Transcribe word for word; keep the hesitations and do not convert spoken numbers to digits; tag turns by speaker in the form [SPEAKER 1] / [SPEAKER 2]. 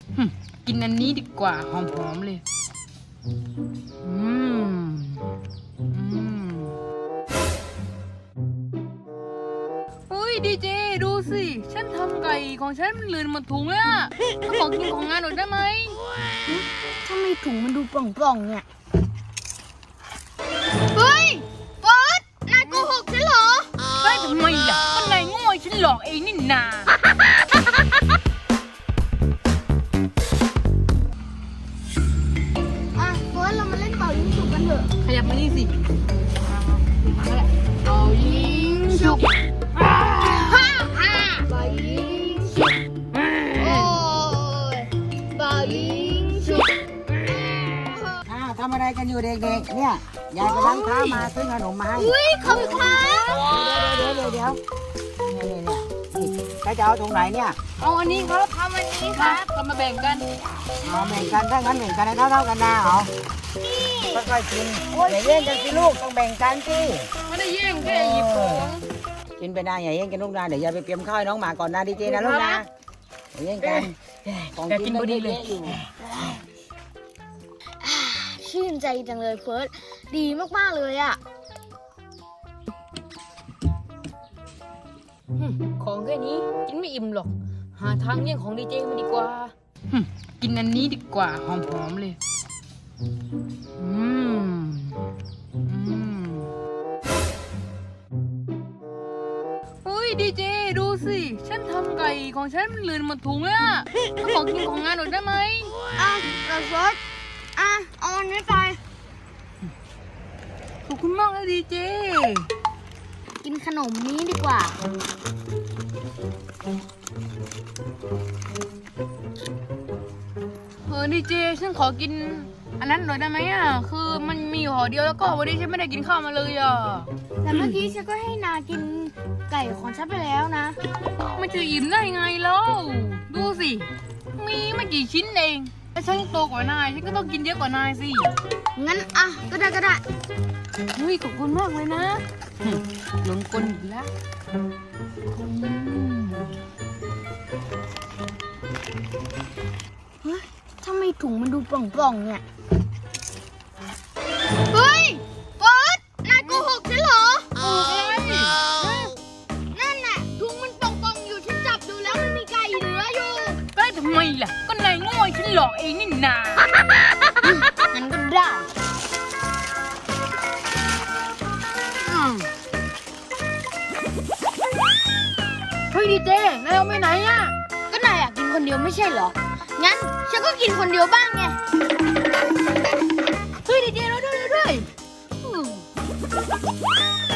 [SPEAKER 1] กินอันนี้ดีกว่าหอมๆเลยอืมอืมเฮ้ยดีเจดูสิฉันทำไก่ของฉันมันเลือนหมดถุงเลยอะถ้าขอกินของงานหน่อยได้ไหม
[SPEAKER 2] ทำไมถุงมันดูปล่องๆเนี่ยเฮ้ยเฟิร์สนายโกหกฉันเหรอ
[SPEAKER 1] ได้ทำไมล่ะก็นายโง่ฉันหลอกเองนี่นา
[SPEAKER 2] อ่ะเฟิร์สเรามาเล่นเป่ายิงฉุบกันเถอะ
[SPEAKER 1] ขยับมานี่สิเอายิงฉุบ
[SPEAKER 2] ฮ่าฮ่าเป่ายิงฉุบโอ้ยเป่ายิงฉุบ
[SPEAKER 3] อ้าวทำอะไรกันอยู่เด็กๆเนี่ยยายไปล้างเท้ามาซื้อขนมมาให้
[SPEAKER 2] อุ้ยขอบคุณครับ
[SPEAKER 3] เดี๋ยวเดี๋ยวเดี๋ยวเดี๋ยวเนี่ยเนี่ยเนี่ยใครจะเอาถุงไหนเนี่ย
[SPEAKER 1] เอาอันนี้ครับ
[SPEAKER 2] ทำอันนี้ครับ
[SPEAKER 1] เรามาแบ่งกัน
[SPEAKER 3] เอาแบ่งกันถ้างั้นแบ่งกันให้เท่าๆกันนะเหรอค่อยๆกินอย่าแย่งกันสิลูกต้องแบ่งกันสิ
[SPEAKER 1] ไม่ได้แย่งแค่หยิบของ
[SPEAKER 3] กินไปนะอย่าแย่งกันลูกนะเดี๋ยวยายไปเตรียมข้าวให้น้องหมาก่อนนะดีเจนะลูกนะอย่าแย่งกันของกินพอดีเลย
[SPEAKER 2] ชื่นใจจังเลยเฟิร์สดีมากๆเลยอ่ะ
[SPEAKER 1] ของแค่นี้กินไม่อิ่มหรอกหาทางแย่งของดีเจมาดีกว่ากินอันนี้ดีกว่าหอมๆเลยอืมอืมเฮ้ยดีเจดูสิฉันทำไก่ของฉันมันเลือนหมดถุงเลยอะถ้าขอกินของงานหน่อยได้ไหม
[SPEAKER 2] อ่ะเราเฟิร์สอ่ะเอาอันนี้ไป
[SPEAKER 1] ขอบคุณมากเลยดีเจ
[SPEAKER 2] กินขนมนี้ดีกว่า
[SPEAKER 1] เออดีเจฉันขอกินอันนั้นหน่อยได้ไหมอ่ะคือมันมีห่อเดียวแล้วก็วันนี้ฉันไม่ได้กินข้าวมาเลยอ่ะ
[SPEAKER 2] แต่เมื่อกี้ฉันก็ให้นากินไก่ของฉันไปแล้วนะ
[SPEAKER 1] มันจะอิ่มได้ไงแล้วดูสิมีไม่กี่ชิ้นเองแต่ฉันโตกว่านายฉันก็ต้องกินเยอะกว่านายสิ
[SPEAKER 2] งั้นอ่ะก็ได้ก็ได้
[SPEAKER 1] เฮ้ยขอบคุณมากเลยนะหลงกลอีกแล้ว
[SPEAKER 2] เฮ้ยทำไมถุงมันดูปล่องๆเนี่ยเฮ้ยเฟิร์สนายโกหกฉันเหรอ
[SPEAKER 1] โอ้ย
[SPEAKER 2] นั่นน่ะถุงมันป่องๆอยู่ฉันจับดูแล้วมันมีไก่เหลืออยู่
[SPEAKER 1] ได้ทำไมล่ะก็นายโง่ฉันหลอกเองนี่นา
[SPEAKER 2] งั้นก็ได้
[SPEAKER 1] เฮ้ยดีเจนายเอาไปไหนอ่ะ
[SPEAKER 2] ก็นายอยากกินคนเดียวไม่ใช่เหรองั้นฉันก็กินคนเดียวบ้างไง
[SPEAKER 1] เฮ้ยดีเจเราด้วยด้วย